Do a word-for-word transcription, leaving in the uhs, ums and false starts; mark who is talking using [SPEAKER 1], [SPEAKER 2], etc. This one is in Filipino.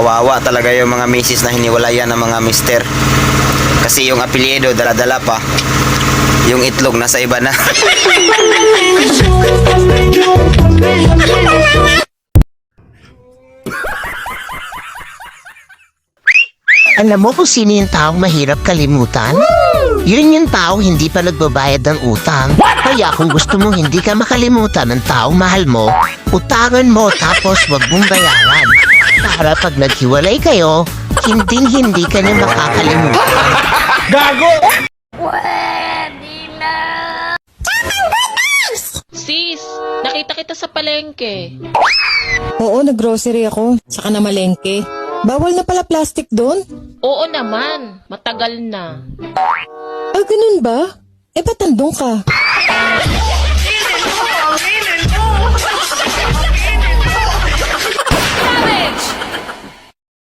[SPEAKER 1] kawawa talaga yung mga misis na hiniwalayan ng mga mister. Kasi yung apelyido dala-dala pa, yung itlog nasa iba na.
[SPEAKER 2] Alam mo kung sino yung taong mahirap kalimutan? Yun yung taong hindi pa nagbabayad ng utang. Kaya kung gusto mong hindi ka makalimutan ng taong mahal mo, utangan mo tapos wag mong bayaran. Para pag naghiwalay kayo, hinding-hindi ka na makakalimutan.
[SPEAKER 1] Gago!
[SPEAKER 3] Sis, nakita kita sa palengke.
[SPEAKER 4] Oo, nag-grocery ako. Saka na malengke. Bawal na pala plastic doon?
[SPEAKER 3] Oo naman, matagal na.
[SPEAKER 4] Ah, ganun ba? Eh, ba't nandun ka?
[SPEAKER 3] Savage!